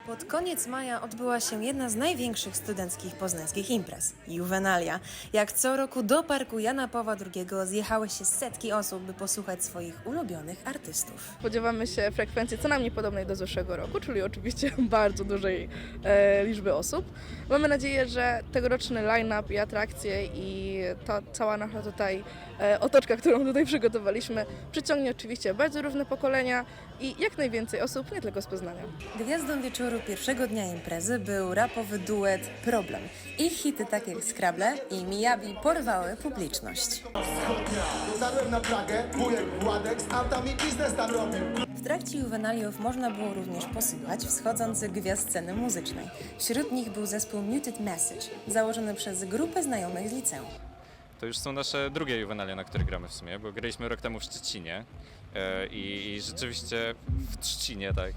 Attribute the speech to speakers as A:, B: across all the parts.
A: Pod koniec maja odbyła się jedna z największych studenckich poznańskich imprez – Juvenalia. Jak co roku do Parku Jana Pawła II zjechały się setki osób, by posłuchać swoich ulubionych artystów.
B: Spodziewamy się frekwencji co najmniej podobnej do zeszłego roku, czyli oczywiście bardzo dużej liczby osób. Mamy nadzieję, że tegoroczny line-up i atrakcje i ta cała nasza tutaj otoczka, którą tutaj przygotowaliśmy, przyciągnie oczywiście bardzo różne pokolenia i jak najwięcej osób, nie tylko z Poznania.
A: Gwiazdą wieczoru pierwszego dnia imprezy był rapowy duet Problem. Ich hity takie jak Scrabble i Miyabi porwały publiczność.
C: Dotarłem na Pragę, wujek Władek z autami biznes tam robił.
A: W trakcie juwenaliów można było również posłuchać wschodzących gwiazd sceny muzycznej. Wśród nich był zespół Muted Message, założony przez grupę znajomych z liceum.
D: To już są nasze drugie juwenalia, na które gramy w sumie, bo graliśmy rok temu w Szczecinie i rzeczywiście w Trzcinie, tak.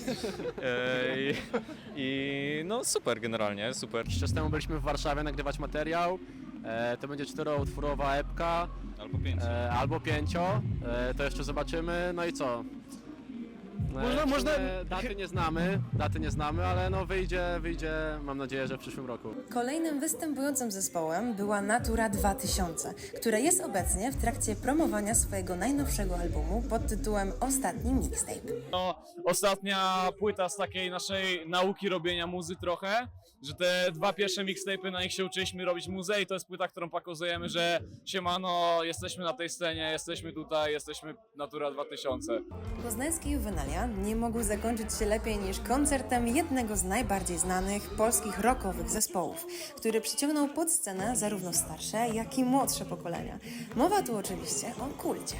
D: I no super generalnie, super.
E: Jakiś czas temu byliśmy w Warszawie nagrywać materiał. To będzie 4-utwórowa epka.
D: Albo 5.
E: Albo 5. To jeszcze zobaczymy. No i co? Można... Daty nie znamy, ale no wyjdzie, mam nadzieję, że w przyszłym roku.
A: Kolejnym występującym zespołem była Natura 2000, która jest obecnie w trakcie promowania swojego najnowszego albumu pod tytułem Ostatni Mixtape.
F: No, ostatnia płyta z takiej naszej nauki robienia muzy trochę, że te dwa pierwsze mixtape'y, na nich się uczyliśmy robić muzę i to jest płyta, którą pokazujemy, że siemano, jesteśmy na tej scenie, jesteśmy tutaj, jesteśmy Natura 2000.
A: Poznańskie juwenalia nie mogły zakończyć się lepiej niż koncertem jednego z najbardziej znanych polskich rockowych zespołów, który przyciągnął pod scenę zarówno starsze, jak i młodsze pokolenia. Mowa tu oczywiście o Kulcie.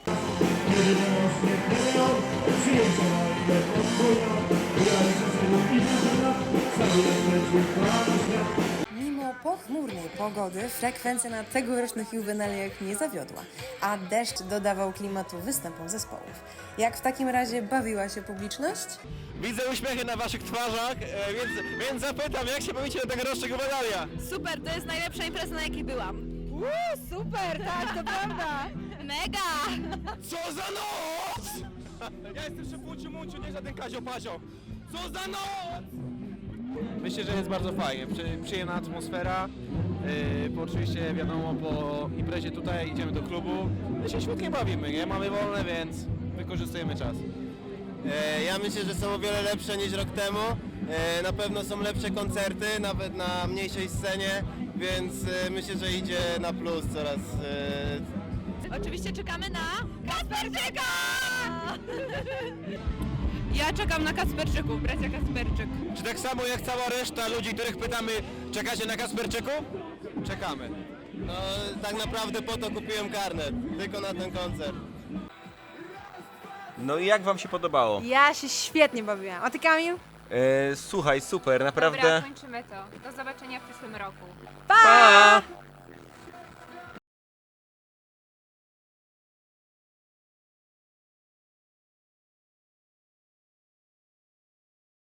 A: Mimo pochmurnej pogody frekwencja na tegorocznych juwenaliach nie zawiodła, a deszcz dodawał klimatu występom zespołów. Jak w takim razie bawiła się publiczność?
G: Widzę uśmiechy na waszych twarzach, więc zapytam, jak się bawicie na tegorocznych juwenalia?
H: Super, to jest najlepsza impreza, na jakiej byłam. Super, tak, to prawda. Mega!
G: Co za noc! Ja jestem szefunciu munciu, nie żaden Kazio Pazio. Co za noc! Myślę, że jest bardzo fajnie, przyjemna atmosfera. Bo oczywiście wiadomo, po imprezie tutaj idziemy do klubu. My się świetnie bawimy, nie? Mamy wolne, więc wykorzystujemy czas.
I: Ja myślę, że są o wiele lepsze niż rok temu. Na pewno są lepsze koncerty, nawet na mniejszej scenie, więc myślę, że idzie na plus coraz.
H: Oczywiście czekamy na Kacperczyka! Ja czekam na Kacperczyków, bracia Kacperczyk.
G: Czy tak samo jak cała reszta ludzi, których pytamy, czekacie na Kacperczyku? Czekamy.
I: No tak naprawdę po to kupiłem karnet, tylko na ten koncert.
J: No i jak wam się podobało?
K: Ja się świetnie bawiłam. A ty, Kamil?
J: Słuchaj, super, naprawdę.
H: Dobra, kończymy to. Do zobaczenia w przyszłym roku.
J: Pa!